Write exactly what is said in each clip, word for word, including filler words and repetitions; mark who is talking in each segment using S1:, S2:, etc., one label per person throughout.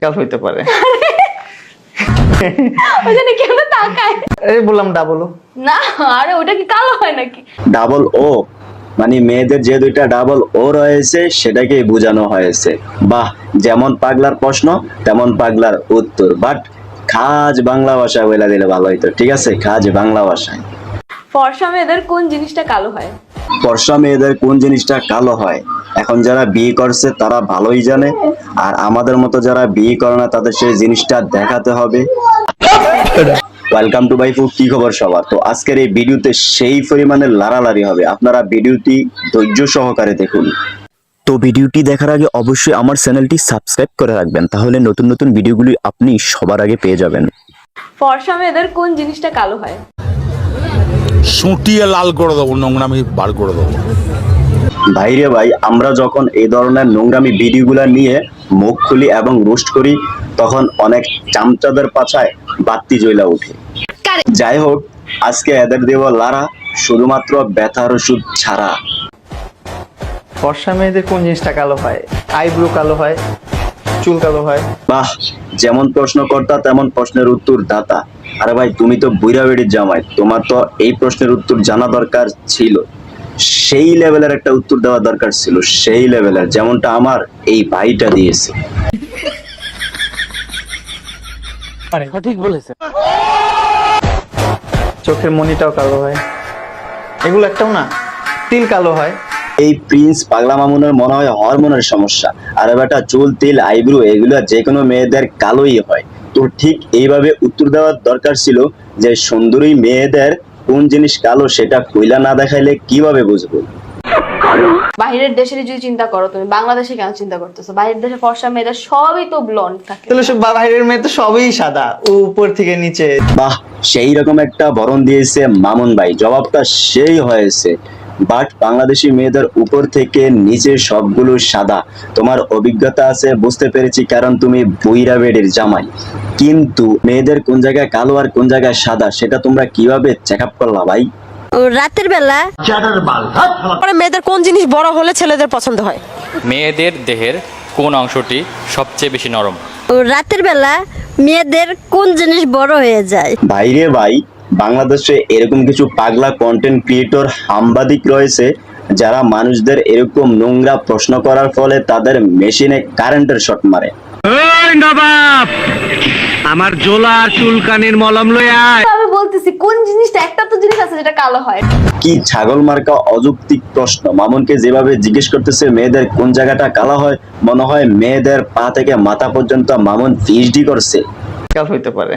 S1: কাল হইতে পারে।
S2: ওখানে কেন তাকায়?
S1: এই বললাম ডাবল ও
S2: না, আরে ওটা কি কালো হয় নাকি?
S3: ডাবল ও মানে মেয়েদের যে দুইটা ডাবল ও রয়েছে সেটাকে বোঝানো হয়েছে। বাহ, যেমন পাগলার প্রশ্ন তেমন পাগলার উত্তর, বাট খাজ বাংলা ভাষা বলে দিলে ভালো হইতো। ঠিক আছে, খাজ বাংলা ভাষায়।
S2: ফর্সা মেয়েদের কোন জিনিসটা কালো হয়?
S3: ফর্সা মেয়েদের কোন জিনিসটা কালো হয়, এখন যারা বিয়ে করছে তারা ভালোই জানে, আর আমাদের মতো যারা বিয়ে করে না তাদের সেই জিনিসটা দেখাতে হবে। ওয়েলকাম টু বাইফু, কি খবর সবার? তো আজকের এই ভিডিওতে সেই পরিমাণে লাড়ালাড়ি হবে, আপনারা ভিডিওটি ধৈর্য সহকারে দেখুন। তো ভিডিওটি দেখার আগে অবশ্যই আমার চ্যানেলটি সাবস্ক্রাইব করে রাখবেন, তাহলে নতুন নতুন ভিডিওগুলি আপনি সবার আগে পেয়ে যাবেন।
S2: ফর্সা মেয়েদের কোন জিনিসটা কালো হয়?
S4: সুটিয়ে লাল করে দেবো, নোংরামি বার করে দেবো।
S3: ভাইরে ভাই, আমরা যখন এই ধরনের নোংরামি ভিডিওগুলো নিয়ে মুখ খুলি এবং রোস্ট করি তখন অনেক চামচাদের পাছায় বাতি জ্বলা ওঠে। যাই হোক, আজকে এদের দেব লারা, শুধুমাত্র ব্যথার ওষুধ ছাড়া।
S1: ফর্সা মেয়েদের কোন জিনিসটা কালো হয়? আইব্রো কালো হয়, চুল কালো হয়।
S3: বাহ, যেমন প্রশ্ন কর্তা তেমন প্রশ্নের উত্তর দাতা। আরে ভাই, তুমি তো বুইরা বেড়ির জামাই, তোমার তো এই প্রশ্নের উত্তর জানা দরকার ছিল। সেই লেভেলের একটা উত্তর দেওয়া দরকার ছিল, সেই লেভেলের যেমনটা আমার এই ভাইটা দিয়েছে।
S1: সঠিক বলেছে। চোখের মনিটাও কালো হয়, এগুলো একটাও না। তিল কালো হয়।
S3: এই প্রিন্স পাগলা মামুনের মনে হয় হরমোনের সমস্যা। আরে বেটা, চুল, তিল, আইব্রো এগুলো যে কোনো মেয়েদের কালোই হয়। তো ঠিক এইভাবে উত্তর দেওয়ার দরকার ছিল যে সুন্দরী মেয়েদের কোন জিনিস কালো সেটা কইলা না দেখাইলে কিভাবে বুঝবো?
S2: বাইরের দেশের যদি চিন্তা করো, তুমি বাংলাদেশে কেন চিন্তা করতেছো? বাইরের দেশে ফর্সা মেয়েদের সবই তো ব্লন্ড থাকে।
S1: তাহলে সব বাইরের মেয়ে তো সবই সাদা, ও উপর থেকে নিচে।
S3: বাহ, সেই রকম একটা বরণ দিয়েছে মামুন ভাই, জবাবটা সেই হয়েছে। বাট বাংলাদেশি মেয়েদের উপর থেকে নিচে সবগুলো সাদা। তোমার অভিজ্ঞতা আছে, বুঝতে পেরেছি, কারণ তুমি বুইরা বেডের জামাই। কিন্তু মেয়েদের কোন জায়গায় কালো আর কোন জায়গায় সাদা সেটা তোমরা কিভাবে চেক আপ করলা ভাই?
S5: রাতের বেলা পরে মেয়েদের কোন জিনিস বড় হলে ছেলেদের পছন্দ হয়?
S6: মেয়েদের দেহের কোন অংশটি সবচেয়ে বেশি নরম?
S5: রাতের বেলা মেয়েদের কোন জিনিস বড় হয়ে যায়?
S3: ভাইরে ভাই, বাংলাদেশে এরকম কিছু পাগলা কন্টেন্ট ক্রিয়েটর সাংবাদিক রয়েছে যারা মানুষদের এরকম নোংরা প্রশ্ন করার ফলে তাদের মেশিনে কারেন্টের শর্ট মারে।
S7: আমার জোলা চুলকানির মলম লয়ে আয়।
S2: আমি বলতেছি কোন জিনিসটা, একটা তো জিনিস আছে যেটা কালো হয়।
S3: কি ছাগল মার্কা অযৌক্তিক প্রশ্ন! মামুনকে যেভাবে জিজ্ঞেস করতেছে মেয়েদের কোন জায়গাটা কালো হয়, মনে হয় মেয়েদের পা থেকে মাথা পর্যন্ত মামুন পিএইচডি করছে।
S1: কাল হইতে পারে।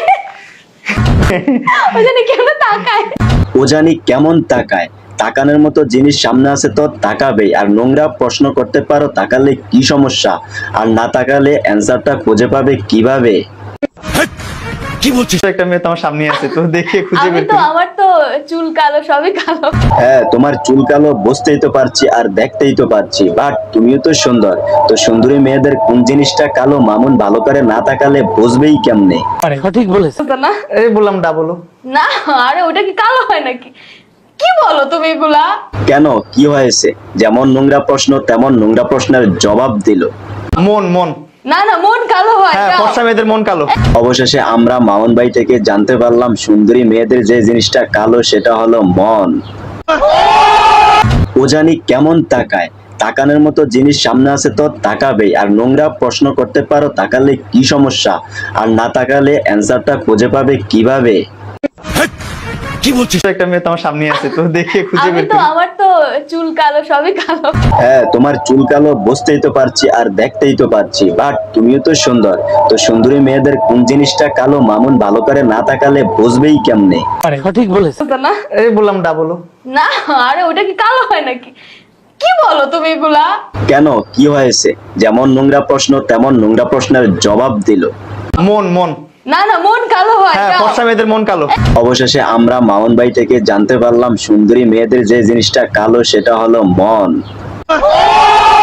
S2: ওখানে কেন তাকায়?
S3: ও জানি কেমন তাকায়, তাকানোর মতো জিনিস সামনে আছে তো তাকাবেই। আর নোংরা প্রশ্ন করতে পারো, তাকালে কি সমস্যা? আর না তাকালে অ্যান্সারটা খুঁজে পাবে কিভাবে?
S4: কি বলছিস?
S1: একটা মেয়ে তো আমার সামনে আছে, তো দেখে খুঁজে
S2: আমি
S1: বের
S2: তো,
S1: করি।
S2: আমার তো চুল কালো, সবই কালো।
S3: হ্যাঁ, তোমার চুল কালো বুঝতেই তো পারছি আর দেখতেই তো পারছি, বাট তুমিও তো সুন্দর। তো সুন্দরী মেয়েদের কোন জিনিসটা কালো মামুন ভালো করে না তাকালে বুঝবেই কেমনে?
S1: সঠিক বলেছে।
S2: তো না,
S1: এই বললাম ডাবল ও
S2: না, আরে ওটা কি কালো হয় নাকি? কি বলো তুমি এগুলা?
S3: কেন, কি হয়েছে? যেমন নোংরা প্রশ্ন তেমন নোংরা প্রশ্নের জবাব দিল।
S1: মন মন
S2: না না, মন কালো হয়।
S1: হ্যাঁ,
S2: যাও।
S1: ফর্সা মেয়েদের মন কালো।
S3: অবশেষে আমরা মামুন ভাই থেকে জানতে পারলাম সুন্দরী মেয়েদের যে জিনিসটা কালো সেটা হলো মন। ও জানি কেমন তাকায়, তাকানোর মতো জিনিস সামনে আছে তো তাকাবেই। আর নোংরা প্রশ্ন করতে পারো, তাকালে কি সমস্যা? আর না তাকালে অ্যান্সারটা খুঁজে পাবে কিভাবে?
S4: কি বলছিস?
S1: একটা মেয়ে তো আমার সামনে আছে, তো দেখে খুঁজে
S2: আমি
S1: বের
S2: তো,
S1: করি।
S2: আমার তো চুল কালো, সবই কালো।
S3: হ্যাঁ, তোমার চুল কালো বুঝতেই তো পারছি আর দেখতেই তো পারছি, বাট তুমিও তো সুন্দর। তো সুন্দরী মেয়েদের কোন জিনিসটা কালো মামুন ভালো করে না তাকালে বুঝবেই কেমনে?
S1: সঠিক বলেছে।
S2: তো না,
S1: এই বললাম ডাবল ও
S2: না, আরে ওটা কি কালো হয় নাকি? কি বলো তুমি এগুলা?
S3: কেন, কি হয়েছে? যেমন নোংরা প্রশ্ন তেমন নোংরা প্রশ্নের জবাব দিল।
S1: মন মন
S2: না না, মন কালো হয়।
S1: হ্যাঁ,
S2: যাও।
S1: ফর্সা মেয়েদের মন কালো।
S3: অবশেষে আমরা মামুন ভাই থেকে জানতে পারলাম সুন্দরী মেয়েদের যে জিনিসটা কালো সেটা হলো মন।